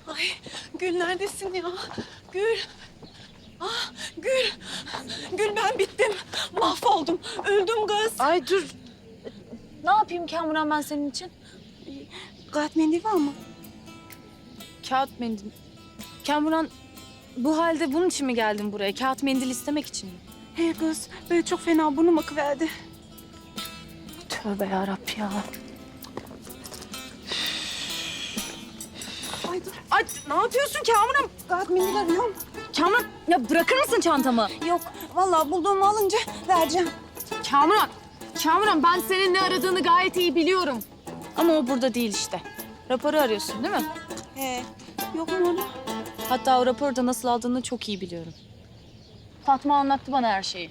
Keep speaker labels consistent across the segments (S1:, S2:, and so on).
S1: Ay Gül neredesin ya? Gül. Ah Gül. Gül ben bittim. Mahvoldum. Öldüm kız.
S2: Ay dur. Ne yapayım Kamuran ben senin için?
S1: Kağıt mendil var mı?
S2: Kağıt mendil. Kamuran bu halde bunun için mi geldin buraya? Kağıt mendil istemek için mi?
S1: He kız böyle çok fena burnum akıverdi.
S2: Tövbe yarabbi ya.
S1: Ay dur.
S2: Ay ne yapıyorsun Kamuran?
S1: Kağıt mendil arıyorum.
S2: Kamuran ya bırakır mısın çantamı?
S1: Yok vallahi bulduğumu alınca vereceğim.
S2: Kamuran. Kamuran ben senin ne aradığını gayet iyi biliyorum. Ama o burada değil işte. Raporu arıyorsun değil mi?
S1: He. Yok mu orada?
S2: Hatta o raporu da nasıl aldığını çok iyi biliyorum. Fatma anlattı bana her şeyi.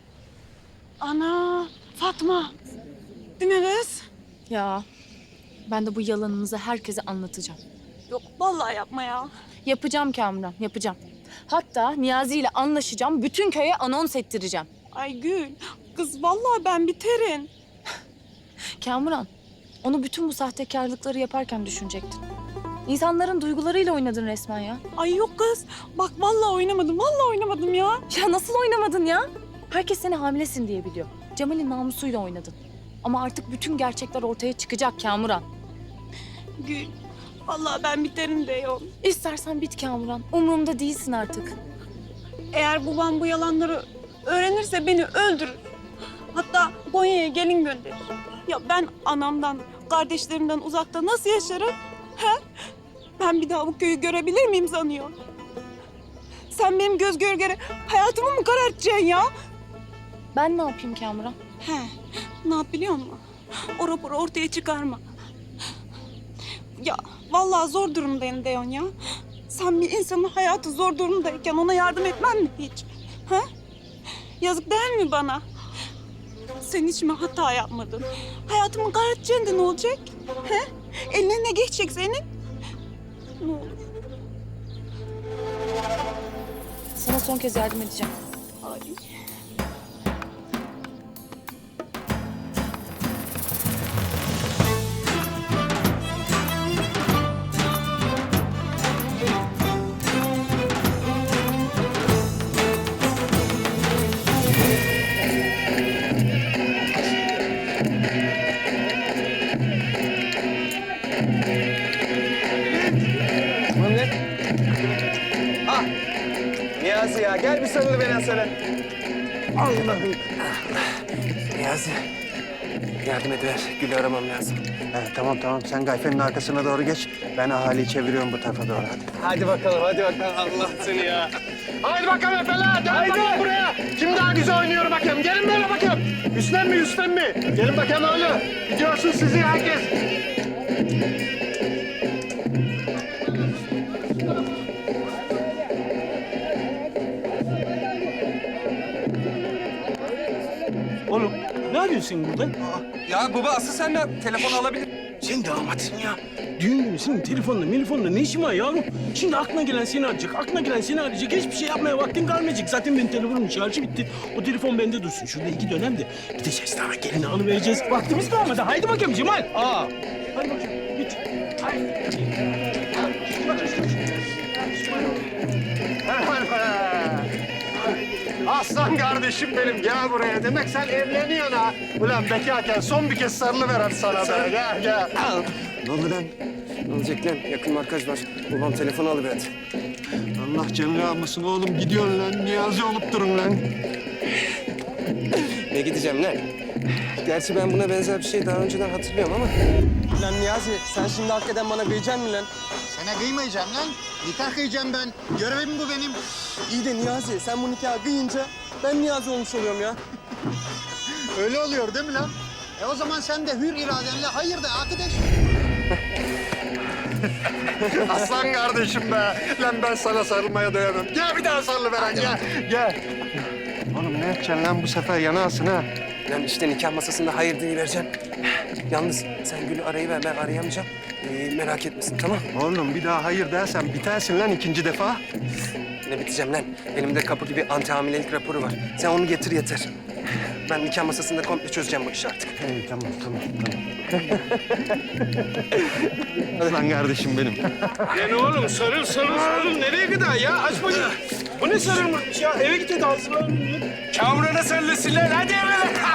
S1: Ana Fatma. Değil mi kız?
S2: Ya ben de bu yalanınızı herkese anlatacağım.
S1: Yok vallahi yapma ya.
S2: Yapacağım Kamuran, yapacağım. Hatta Niyazi ile anlaşacağım, bütün köye anons ettireceğim.
S1: Ay Gül. Kız vallahi ben biterim.
S2: Kamuran, onu bütün bu sahtekarlıkları yaparken düşünecektin. İnsanların duygularıyla oynadın resmen ya.
S1: Ay yok kız. Bak vallahi oynamadım. Vallahi oynamadım ya.
S2: Ya nasıl oynamadın ya? Herkes seni hamilesin diye biliyor. Cemal'in namusuyla oynadın. Ama artık bütün gerçekler ortaya çıkacak Kamuran.
S1: Gül. Vallahi ben biterim diyorum.
S2: İstersen bit Kamuran. Umurumda değilsin artık.
S1: Eğer babam bu yalanları öğrenirse beni öldürür. Hatta Konya'ya gelin gönderir. Ya ben anamdan, kardeşlerimden uzakta nasıl yaşarım? He? Ben bir daha bu köyü görebilir miyim sanıyor? Sen benim göz göre göre hayatımı mı karartacaksın ya?
S2: Ben ne yapayım Kamuran?
S1: He, ne yap biliyor musun? O raporu ortaya çıkarma. Ya vallahi zor durumdayım diyorsun ya. Sen bir insanın hayatı zor durumdayken ona yardım etmen mi hiç? Ha? Yazık değil mi bana? Sen hiç mi hata yapmadın? Hayatımı karartacaksın da ne olacak? He? Eline ne geçecek senin? Ne olur.
S2: Sana son kez yardım edeceğim.
S1: Ay.
S3: Mehmet. Ah. Niyazi ya gel bir sarıl beni sana. Allah'ım. Niyazi. Yardım ediver. Gül'ü aramam lazım.
S4: Tamam. Sen Gayfe'nin arkasına doğru geç. Ben ahaliyi çeviriyorum bu tarafa doğru hadi.
S3: Hadi bakalım. Allah seni ya. Haydi bakalım Efeler. Gel bakalım buraya. Kim daha güzel oynuyor bakayım. Gelin böyle bakayım. Üstten mi? Gelin bakayım öyle. Gidiyorsun sizi herkes.
S5: Oğlum ne yapıyorsun burada?
S3: Ya baba asıl sen de telefon alabilir.
S5: Sen damatsın ya. Düğün günü senin telefonla ne işin var yavrum? Şimdi aklına gelen seni arayacak. Hiçbir şey yapmaya vaktin kalmayacak. Zaten benim telefonumun şarjı bitti. O telefon bende dursun. Şurada 2 dönem de gideceğiz daha gelini alıvereceğiz. Vaktimiz kalmadı. Haydi bakayım Cemal. Hadi bakayım. Git. Haydi.
S4: Aslan kardeşim benim gel buraya. Demek sen evleniyorsun ha. Ulan bekarken son bir kez sarılıver hadi sana be. Gel.
S3: Ne oldu lan? Ne olacak lan? Yakın markaj var. Babam telefonu alıverdi.
S4: Allah canını almasın oğlum gidiyorsun lan. Niyazi olup durun lan.
S3: Ne gideceğim lan? Gerçi ben buna benzer bir şey daha önceden hatırlıyorum ama. Lan Niyazi sen şimdi hakikaten bana kıyacaksın mı lan?
S6: Sana kıymayacağım lan. Nikah kıyacağım ben. Görevim bu benim.
S3: İyi de Niyazi sen bu nikahı kıyınca ben Niyazi olmuş oluyorum ya.
S6: Öyle oluyor değil mi lan? O zaman sen de hür iradenle hayır de arkadaş.
S4: Aslan kardeşim be. Lan ben sana sarılmaya dayanamam. Gel bir daha sarılıveren gel. Oğlum ne yapacaksın lan bu sefer yanağısın ha?
S3: Lan işte nikah masasında hayır vereceğim. Yalnız sen Gül'ü arayıver ben arayamayacağım. Merak etmesin tamam.
S4: Oğlum bir daha hayır dersen bitersin lan ikinci defa.
S3: Ne biteceğim lan? Elimde kapı gibi anti hamilelik raporu var. Sen onu getir yeter. Ben nikah masasında komple çözeceğim bu işi artık.
S4: Tamam. Aslan kardeşim benim.
S5: Yani oğlum sarıl. Nereye kadar ya? Aç bakayım. Bu ne sarılmış ya? Eve git hadi hazırlanın. Kamuran'a sarılasınlar. Hadi eve.